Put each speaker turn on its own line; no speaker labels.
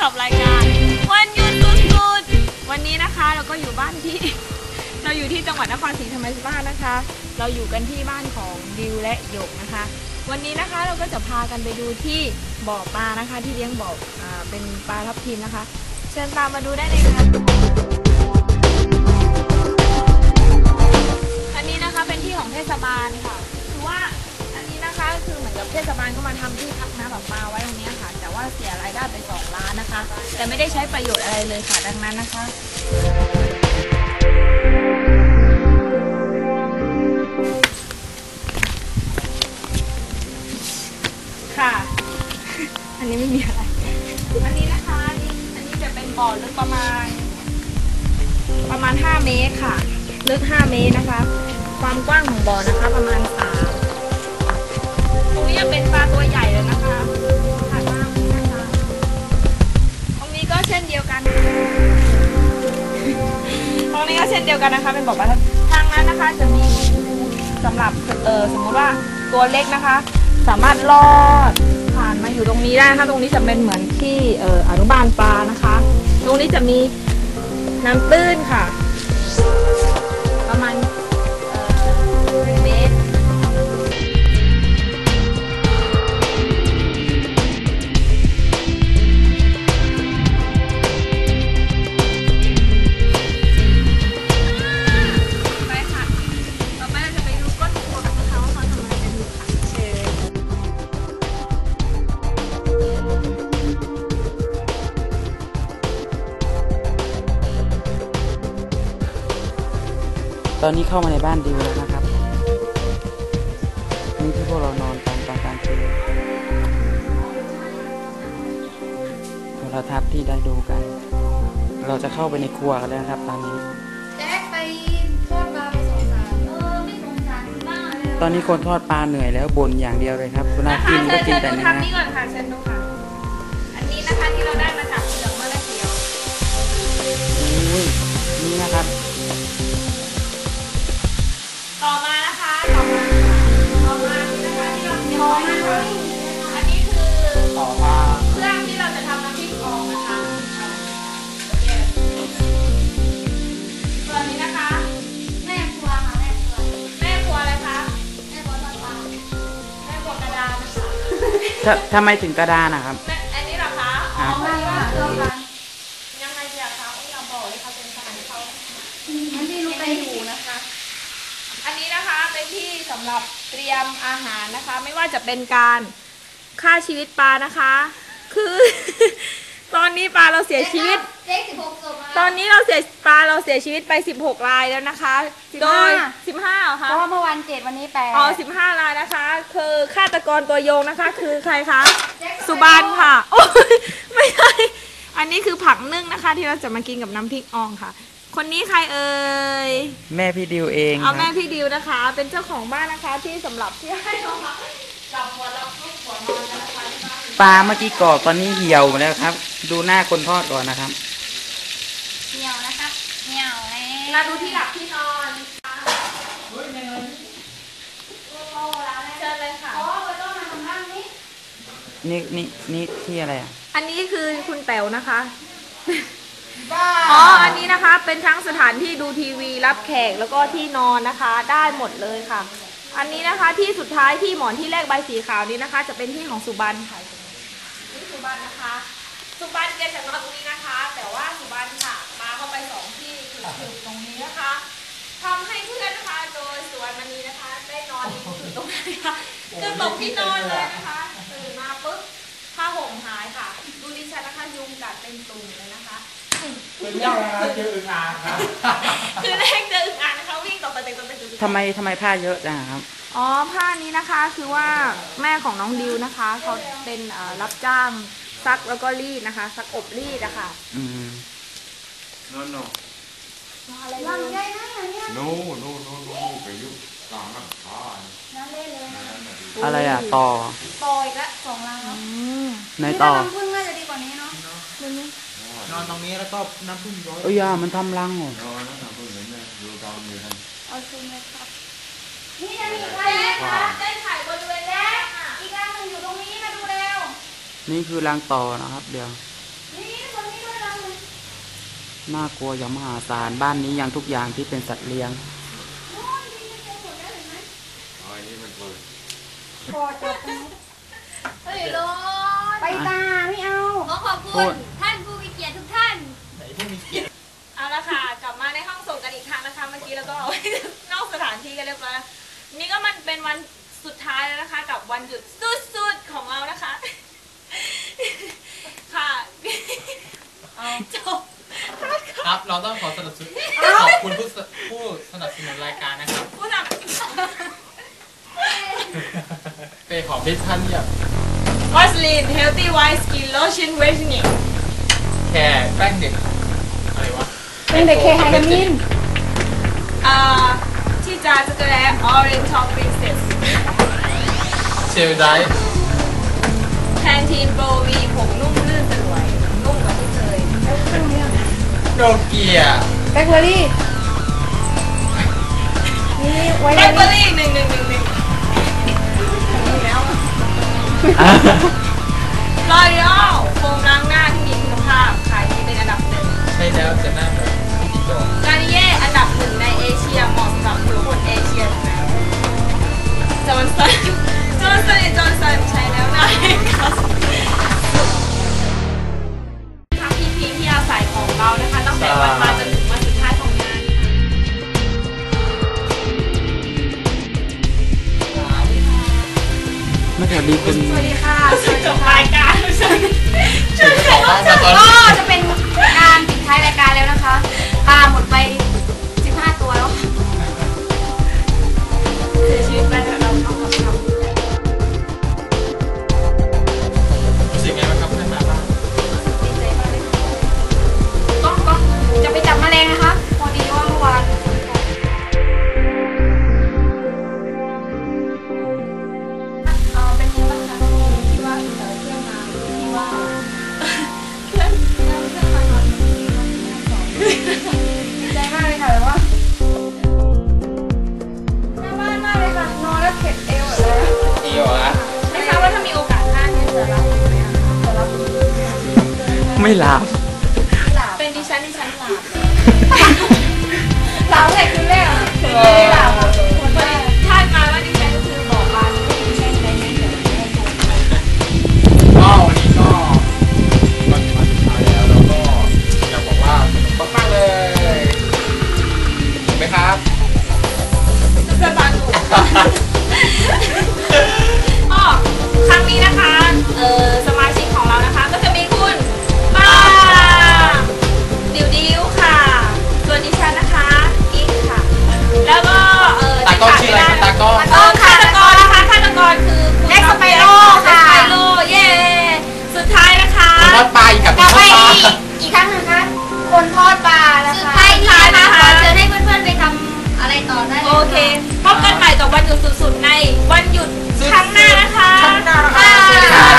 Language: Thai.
กับรายการวันหยุดสุดๆวันนี้นะคะเราก็อยู่บ้านที่ เราอยู่ที่จังหวัดนครศรีธรรมราชนะคะ เราอยู่กันที่บ้านของดิวและหยกนะคะ วันนี้นะคะเราก็จะพากันไปดูที่บ่อปลานะคะที่เลี้ยงบ่อเป็นปลาทับทิมนะคะ เชิญตามมาดูได้เลยค่ะอันนี้นะคะเป็นที่ของเทศบาลค่ะคือว่าอันนี้นะคะคือเหมือนกับเทศบาลก็มาทำที่พักน้ำแบบปลาไว้ตรงนี้ค่ะแต่ว่าเสียรายได้ไป2 ล้านนะคะแต่ไม่ได้ใช้ประโยชน์อะไรเลยค่ะดังนั้นนะคะค่ะ อันนี้ไม่มีอะไรอันนี้นะคะอันนี้จะเป็นบ่อลึกประมาณ5 เมตรค่ะลึก5 เมตรนะคะความกว้างของบ่อนะคะประมาณ3ตรงนี้จะเป็นปลาตัวใหญ่เลยนะคะถัดมาตรงนี้นะคะตรงนี้ก็เช่นเดียวกันตรงนี้ก็เช่นเดียวกันนะคะเป็นบ่อปลาทางนั้นนะคะจะมีสำหรับสมมุติว่าตัวเล็กนะคะสามารถลอดผ่านมาอยู่ตรงนี้ได้นะคะตรงนี้จะเป็นเหมือนที่อนุบาลปลานะคะตรงนี้จะมีน้ำตื้นค่ะประมาณ1 เมตรไปค่ะต่อไปเราจะไปดูก้นบ่อนะคะว่าเขาทำอะไรกันอยู่ค่ะเชิญ
ตอนนี้เข้ามาในบ้านดิวแล้วนะครับนี่ที่พวกเรานอนกันตอนกลางคืนโทรทัศน์ที่ได้ดูกันเราจะเข้าไปในครัวกันแล้วนะครับตอนนี้
แจ็คไปทอดปลาไปสงสารไม่สงสารบ้างเลย
ตอนนี้คนทอดปลาเหนื่อยแล้วบ่นอย่างเดียวเลยครับเวลากินก็กินแต่
เชิญดู
เนื้อ
ทำนี้ก่อนค่ะเชิญดูค่ะอันนี้นะคะที่เราได้มาจากเปลือกมะละเขียว
อุ้ยนี่นะครับ
ต่อมานะคะต่อมานี่นะคะที่เราเตรียมไว้นะคะอันนี้คือ
ต่อมา
เครื่องที่เราจะทำน้ำพริกอ่องนะคะส่วนนี้นะคะ
แม่ครัวค่ะแม่ครัว
แม่ครัวอะไรคะ
แม่ครัวทอดปลา
แม่ครัวกระดานนะคะ
ทำไมถึงกระดานนะครับ
อันนี้เหรอคะอ๋อ
ไม่ว่าเรื่องกัน
ยังไงดีอะคะอย่าบอกเลยค่ะเป็นสถานที่เขา
มันที่รู้ไปอยู่นะคะ
อันนี้นะคะเป็นที่สำหรับเตรียมอาหารนะคะ ไม่ว่าจะเป็นการฆ่าชีวิตปลานะคะ คือ ตอนนี้ปลาเราเสียชีวิต
เจ๊16ศพ
ตอนนี้เราเสียชีวิตไป16 รายแล้วนะคะ โดย15เหรอ
เพ
คะ
ราะว่าเมื่อวัน7วันนี้8
อ๋อ15 รายนะคะ คือฆาตกรตัวโยงนะคะ คือใครคะสุบานค่ะโอ้ยไม่ใช่อันนี้คือผักนึ่งนะคะ ที่เราจะมากินกับน้ำพริกอ่องค่ะ คนนี้ใครเอ่ย
แม่พี่ดิวเอง
เอา
ค
แม่
รับ
พี่ดิวนะคะ เป็นเจ้าของบ้านนะคะที่สำหรับที่ให้เรามาจับหัวเราทุกหัวนอนกันนะคะที่บ้าน
ปลาเมื่อกี้กรอบตอนนี้เหี่ยวหมดแล้วครับ ดูหน้าคนทอดก่อนนะครับ
เหนียวนะคะเหนียวเลย
มาดูที่หลับที่นอนเชิญเลยค่ะ
อ๋อไปต้องมาทำบ้านนี้
นี่ที่อะไรอ่ะ
อันนี้คือคุณแต๋วนะคะ อ๋อ อันนี้นะคะเป็นทั้งสถานที่ดูทีวีรับแขกแล้วก็ที่นอนนะคะ ได้หมดเลยค่ะ อันนี้นะคะที่สุดท้ายที่หมอนที่แรกใบสีขาวนี้นะคะ จะเป็นที่ของสุบันค่ะนี่สุบันนะคะ สุบันแกจะนอนตรงนี้นะคะ แต่ว่าสุบันค่ะมาเข้าไป2 ที่คือตรงนี้นะคะทำให้เพื่อนนะคะโดยสุวรรณมณีนะคะได้นอนอยู่ตรงนี้ค่ะคือตกที่นอนเลยนะคะตื่นมาปุ๊บผ้าห่มหายค่ะ ดูดิฉันนะคะยุงกัดเป็นตุ่มเลยนะคะ
เป็นยังไงเจออึ่งอ่างครับ
คือแรกเจออึ่งอ่างนะคะวิ่งต่อไปเต็มตัวไปดู
ทำไมผ้าเยอะจังครับ
อ๋อผ้านี้นะคะคือว่าแม่ของน้องดิวนะคะเขาเป็นรับจ้างซักแล้วก็รีดนะคะซักอบรีดอะค่ะ
no
อะไร
ลำไยนะเนี่ย
no no no no ไปยุ่งกลางน้ำค้า
น้ำเล่นเลย
อะไรอ่ะต่อ
ต่ออีกละ2 ลังแล้ว
ในต่อ
น้ำผึ้งน่าจะดีกว่านี้เนาะ
นอนตรงนี้แล้วก็น้ำพึ่งร้อย
เอ้ยมันทำรังเหรอ
นอนน้ำพึ่งเห็นไหมดูตอนนี้ท่าน
เอาซุ่มเลยครับนี่จะมีใคร
แรก
นะ
ค่ะได้ถ่ายบริเวณแรกค่ะ
อีกลังหนึ่งอยู่ตรงนี้มาดูเร็ว
นี่คือรังต่อนะครับ เดี๋ยว
นี่
น่ากลัวอย่างมหาศาลบ้านนี้ยังทุกอย่างที่เป็นสัตว์เลี้ยง
อ๋ออันนี้มันเปิด
เฮ้ยโรน
ไปตาไม่เอา
ขอขอบคุณท่านผู้มีเกียรติทุกท่าน
เอาละค่ะกลับมาในห้องส่งกันอีกครั้งนะคะ เมื่อกี้แล้วก็ นอกสถานที่กันเรียบร้อยแล้วนี่ก็มันเป็นวันสุดท้ายแล้วนะคะ กับวันหยุดสุดๆของเรานะคะ ค่ะจบ
ครับ เราต้องขอสนับสนุนขอบคุณผู้สนับสนุนรายการนะครับ
ผู้น
เปย์ของที่ท่านอยาก
ำ Vaseline Healthy White Skin Lotion Whitening
แค่แป้งเด็กอะไรวะ
เป็นเด็กเคไฮดามิน
ที่จะกระแล Orange Top Princess
เชลได
Pantene Pro V ผมนุ่มลื่นสลวย นุ่มกว่าที่เคย
โนเกีย
แบล็คเบอร์รี่ นี่ไว้
แบล็คเบอร์รี่1 1 1 1แล้วลอรีออลโฟมล้างหน้าที่มีคุณภาพขายดีเป็นอันดับหนึ่ง
ใช่แล้วจะหน้าแบบพี่โจ
กานิเย่อันดับหนึ่งในเอเชียเหมาะสำหรับทุกคนเอเชียทั้งนั้นจอห์นสันใช้แล้วนะทั้งทีมที่อาศัยของเรานะคะตั้งแต่วันมาจนถึงวันสุดท้ายของงาน
ไม่สวัสดีคุณ
สวัสดีค่ะสวัส
จ
ดี
บ
ค่ะ
รายการช่วย
เจ้าของบ้านมาตอน
ก็จะเป็นการปิดท้ายรายการแล้วนะคะปลาหมดไป15 ตัวแล้ว
เสียชีวิตไปแล้วเราทำ
รู้สึกไงบ้างครับท่านมาบ้าน
ก็จะไปจับแมลงนะคะ พอดีว่าเมื่อวานเป็นยังไงบ้างคะที่ว่าเที่ยวมาที่ว่าเพื่อนมานอนดีใจมากเลยค่ะแต่ว่าหน้าบ้านมากเลยค่ะนอนแล้วเข็ดเอวเลย
เอียวอะ
ไม่ทราบว่าถ้ามีโอกาสหน้าเนี่ยจะรับไหมอะคะ
ไม่หลับ
เป็นดิฉันหลับ
หลับแต่คืนแรกอ่ะไม่ได้หลับค่ะคนแรก
คาดการณ์ว่าดิฉันก็คือบอกบานดิฉันในนี้เดี๋ยวแม่โทรมา
ก็วันนี้ก็วันสุดท้ายแล้วแล้วก็อยากบอกว่าสนุกมากๆเลยถูกไหมครับ
สบายหนูอ๋อครั้งนี้นะคะสมาชิกของเรานะคะก็จะมีคุณป้าดิวค่ะส่วนดิฉันนะคะกิ๊กค่ะแล้วก็
ตากล้องชื่ออะไรครับตากล้อง
ฆาตกรนะคะฆาตกรคือคุณ
เน็กสไปโร่ค่ะ
สไปโร่เย้สุดท้ายนะคะ
คุณทอดปลาอีกกับ
กลับ
ท
ไป
อดปลา
อีกครั้งหนึ่งคะคนทอดปลานะ
สุด
คะ
ท้ายนี้นะคะขอเชิญให้เพื่อนๆไปทำอะไรต่อได้เลย
โอเคพบกันใหม่กับวันหยุดสุดๆในวันหยุดครั้งหน้านะคะ
ครั้งหน้านะคะ
ค่ะ
สวัสดีครับ